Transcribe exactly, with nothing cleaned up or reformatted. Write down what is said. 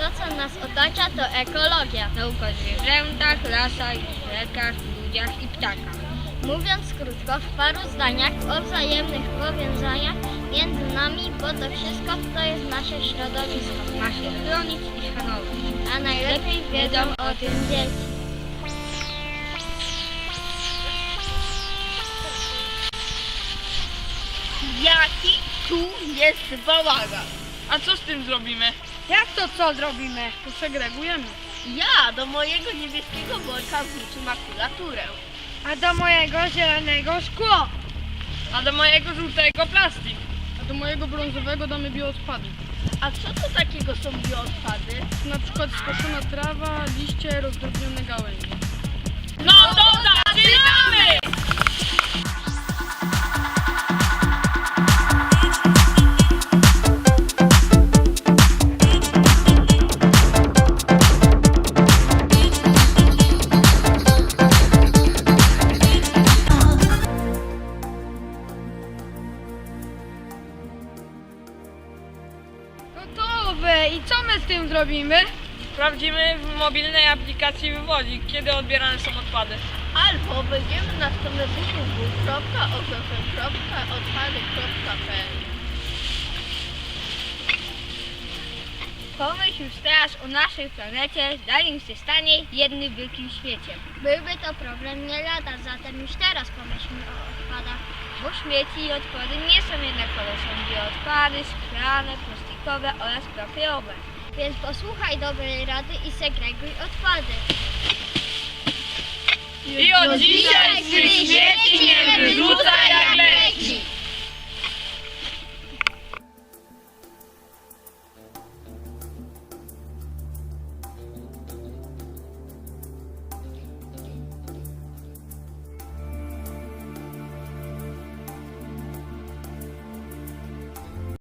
co nas otacza, to ekologia. Nauka o zwierzętach, lasach, rzekach, ludziach i ptakach. Mówiąc krótko, w paru zdaniach o wzajemnych powiązaniach między nami, bo to wszystko to jest nasze środowisko. Ma się chronić i szanować. A najlepiej wiedzą o tym dzieci. Jaki tu jest bałagan? A co z tym zrobimy? Jak to co zrobimy? Segregujemy. Ja do mojego niebieskiego worka wrzucę makulaturę. A do mojego zielonego szkło. A do mojego żółtego plastik. A do mojego brązowego damy bioodpady. A co to takiego są bioodpady? Na przykład skoszona trawa, liście, rozdrobnione gałęzie. No to zaczynamy! Gotowe. I co my z tym zrobimy? Sprawdzimy w mobilnej aplikacji wywodzik, kiedy odbierane są odpady. Albo wejdziemy na stronę w w w kropka o k f kropka odpady kropka p l. Pomyśl już teraz o naszej planecie, zanim się stanie jednym wielkim śmieciem. Byłby to problem nie lada, zatem już teraz pomyślmy o odpadach. Bo śmieci i odpady nie są jednakowe. Są bioodpady, szklane, plastikowe oraz papierowe. Więc posłuchaj dobrej rady i segreguj odpady. I od dzisiaj z tych śmieci nie wyrzucaj jak leci.